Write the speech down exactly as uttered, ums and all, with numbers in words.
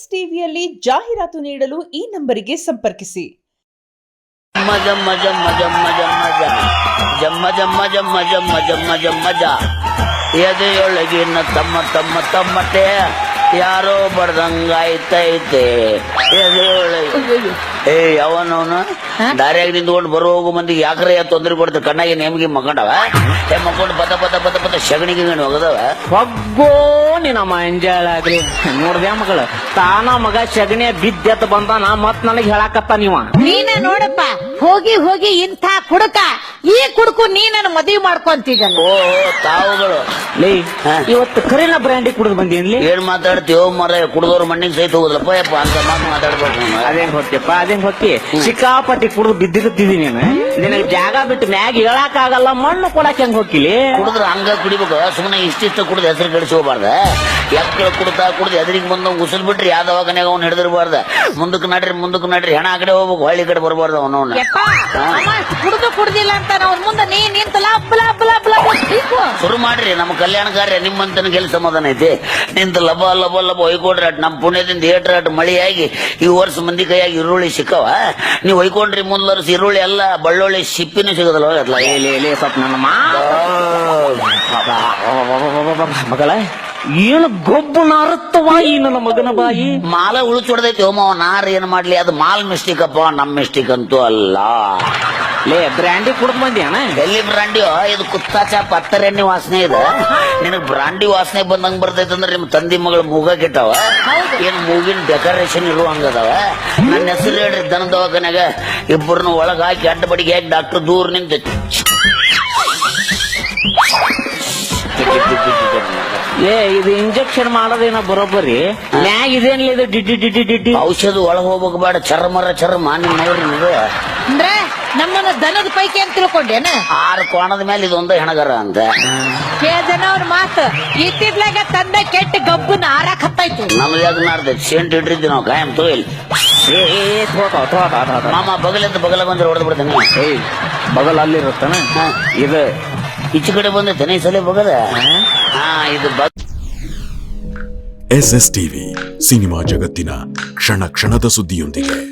S ಟಿವಿಯಲ್ಲಿ ಜಾಹೀರಾತು ನೀಡಲು ಈ ನಂಬರಿಗೆ ಸಂಪರ್ಕಿಸಿ. ಜಮ್ಮ ಜಮ್ಮ ಜಮ್ಮ ಜಮ್ಮ ಜಮ್ಮ ಜಮ್ಮ ಜಮ್ಮ ಜಮ್ಮ ಜಮ್ಮ ಜಮ್ಮ ಜ ಎದೆಯೊಳಗಿನ ತಮ್ಮ ತಮ್ಮ ತಮ್ಮಟೆ ಯಾರೋ ಬಡ್ದಂಗಾಯ್ತೈತೆ ಎದೆಯೊಳಗೆ. ಏ ಯಾವನವನು ದಾರಿಯಾಗಿ ನಿಂತ್ಕೊಂಡು ಬರೋ ಹೋಗೋ ಮಂದಿಗೆ ಯಾಕ್ರೆ ತೊಂದರೆ ಕೊಡ್ತಾರೆ. ಕಣ್ಣಾಗಿ ನೇಮಿಗೆ ಮಕ್ಕೊಂಡವ ಏ ಮಕ್ಕೊಂಡು ಪದ ಪದ ಪದ ಪದ ಶಗಣಿಗೆ ಹೋಗದವ ಒಗ್ಗೋ ನಿನ್ನ ಮಂಜಾಳಾಗ್ಲಿ ನೋಡ್ದ್ಯಾ ಮಗಳು ತಾನ ಮಗ ಶಗಣಿಯ ಬಿದ್ದೆತ್ ಬಂದಾನ ಮತ್ ನನಗ್ ಹೇಳಾಕತ್ತ ನೀವ ನೀನೇ ನೋಡಪ್ಪ ಹೋಗಿ ಹೋಗಿ ಇಂಥ ಕುಡುಕ ಈ ಕುಡುಕು ನೀ ನನ್ನ ಮದುವೆ ಮಾಡ್ಕೊಂತಿದ್ದಲ್ಲ. ಓ ತಾವುಗಳು ಲೇ ಇವತ್ತು ಕರಿನ ಬ್ರ್ಯಾಂಡಿ ಕುಡಿದು ಬಂದೀನಿ. ಏನ್ ಮಾತಾಡ್ತೀವೋ ಮರ ಕುಡ್ದವ್ರ ಮಣ್ಣಿಗೆ ಸಹಿತ ಹೋಗುದಲ್ಲಪ್ಪ ಯಪ್ಪ ಅಂತ ಮಾತು ಮಾತಾಡ್ಬೇಕು. ಅದೇನ್ ಹೊತ್ತಿಯಪ್ಪ ಅದೇನ್ ಹೊತ್ತಿ ಸಿಕ್ಕಾಪಟ್ಟಿ ಕುಡಿದು ಬಿದ್ದಿರುತ್ತೀವಿ ನೀನು. ನಿನಗೆ ಜಾಗ ಬಿಟ್ಟು ಮ್ಯಾಗ ಹೇಳಕ್ ಆಗಲ್ಲ ಮಣ್ಣು ಕೊಡಕ್ ಹೆಂಗ್ ಹೋಗಿಲಿ. ಕುಡಿದ್ರ ಹಂಗ ಕುಡಿಬೇಕು ಸುಮ್ಮನೆ ಇಷ್ಟಿಷ್ಟ ಕುಡ್ದು ಹೆಸರು ಕಳಿಸಿ ಹೋಗ್ಬಾರ್ದ. ಎಕ್ಕಳ ಕುಡ್ತಾ ಕುಡ್ದು ಎದುರಿಗೆ ಬಂದ ಉಸಿಲ್ ಬಿಟ್ರಿ ಯಾವ್ದವಾಗನ್ಯಾಗ ಅವ್ನು ಹಿಡಿದಿರ್ಬಾರ್ದ. ಮುಂದಕ್ಕೆ ನಡ್ರಿ ಮುಂದಕ್ಕೆ ನಡ್ರಿ ಹೆಣ ಆ ಕಡೆ ಹೋಗ್ಬೇಕು ಹಳ್ಳಿ ಕಡೆ ಬರ್ಬಾರ್ದು ಅವನವನ್ನ. ಕುಡ್ದು ಕುಡ್ದಿಲ್ಲ ಅಂತ ಅವ್ನ ಮುಂದೆ ನೀ ನಿಂತ ಲಬ್ ಲಬ್ ಲಬ್ ಲಬ್ ಶುರು ಮಾಡ್ರಿ. ನಮ್ಮ ಕಲ್ಯಾಣ ಕಾರ್ಯ ನಿಮ್ಮಂತನ ಗೆಲ್ ಸಮಾಧಾನ ಐತಿ. ನಿಂತ ಲಬ ಲಬ ಲಬ ಹೊಯ್ಕೊಂಡ್ರಿ ಅಟ್ ನಮ್ಮ ಪುಣ್ಯದಿಂದ ಏಟ್ರ ಅಟ್ ಮಳಿಯಾಗಿ ಈ ವರ್ಷ ಮಂದಿ ಕೈಯಾಗಿ ಈರುಳ್ಳಿ ಸಿಕ್ಕವ. ನೀವು ಹೊಯ್ಕೊಂಡ್ರಿ ಮುಂದ್ವರ್ಸ ಈರುಳ್ಳಿ ಎಲ್ಲ ಬಳ್ಳೊಳ್ಳಿ ಸಿಪ್ಪಿನೂ ಸಿಗೋದಲ್ವ. ಸ್ವಲ್ಪ ನನ್ನ ಮಗಳ ಏನು ಗೊಬ್ಬು ನಾರುತ್ತವಾ ಈ ನನ್ನ ಮಗನ ಬಾಯಿ. ಮಾಲ ಉಳಿಚೊಡ್ದೈತಿ ಹೋಮ ನಾರ್ ಏನ್ ಮಾಡ್ಲಿ ಅದು ಮಾಲ್ ಮಿಸ್ಟೇಕ್ ಅಪ್ಪ ನಮ್ ಮಿಸ್ಟೇಕ್ ಅಂತೂ ಅಲ್ಲ. ಲೇ ಬ್ರ್ಯಾಂಡಿ ಕುಡ್ದು ಬಂದ್ಯಾನ ಎಲ್ಲಿ ಬ್ರಾಂಡಿಯೋ ಇದು ಕುತ್ತಾಚ ಪತ್ತರೆಣ್ಣೆ ವಾಸನೆ ಇದೆ. ನಿನಗ್ ಬ್ರಾಂಡಿ ವಾಸನೆ ಬಂದಂಗ್ ಬರ್ತೈತೆ ಅಂದ್ರೆ ನಿಮ್ ತಂದಿ ಮಗಳು ಮೂಗ ಕೆಟ್ಟವ ಏನ್ ಮೂಗಿನ ಡೆಕೋರೇಷನ್ ಇರುವಂಗದವ. ನನ್ನ ಹೆಸರು ಹೇಳ್ರಿ ದನ ದವಾಖಾನ್ಯಾಗ ಇಬ್ಬರನ್ನ ಒಳಗ ಹಾಕಿ ಅಡ್ಡ ಬಡಿಗೆ ಹಾಕಿ ಡಾಕ್ಟರ್ ದೂರ ನಿಂತ ಏ ಇದು ಇಂಜೆಕ್ಷನ್ ಮಾಡೋದೇನ ಬರೋಬ್ಬರಿ ಮ್ಯಾಗ ಇದೇನಿಲ್ಲ ಇದು ಡಿಡ್ಡಿ ಡಿಡ್ಡಿ ಡಿಡ್ಡಿ ಔಷಧ ಒಳಗ್ ಹೋಗ್ಬೇಕು ಬೇಡ ಚರ್ಮರ ಚರ್ಮ ನಿಮ್ ನೋಡ್ರಿ ನೀವು. ಅಂದ್ರೆ ನಮ್ಮನ್ನ ದನದ ಪೈಕಿ ಅಂತ ತಿಳ್ಕೊಂಡೇನ. ಆರು ಕೋಣದ ಮೇಲೆ ಇದೊಂದು ಹೆಣಗರ ಅಂತ ಜನ ಅವ್ರ ಮಾತು ಇತ್ತಿದ್ಲಾಗ ತಂದ ಕೆಟ್ಟ ಗಬ್ಬನ ಆರಾಕ್ ಹತ್ತಾಯ್ತು. ನಮ್ದು ಯಾಕೆ ನಾಡ್ದೈತಿ ಸೆಂಟ್ ಇಟ್ಟಿದ್ವಿ ನಾವು ಕಾಯಂ ತೋಯಿಲ್ ಮಾಮ ಬಗಲಿಂದ ಬಗಲ ಬಂದ್ರೆ ಹೊಡೆದು ಬಿಡ್ತೇನೆ. ಬಗಲ್ ಅಲ್ಲಿರುತ್ತಾನ ಇದು ಈಚೆ ಕಡೆ ಬಂದೈತೆ ಈ ಸಲ ಬಗಲ. ಹಾ ಇದು ಎಸ್ ಎಸ್ ಟಿವಿ ಸಿನಿಮಾ ಜಗತ್ತಿನ ಕ್ಷಣ ಕ್ಷಣದ ಸುದ್ದಿಯೊಂದಿಗೆ.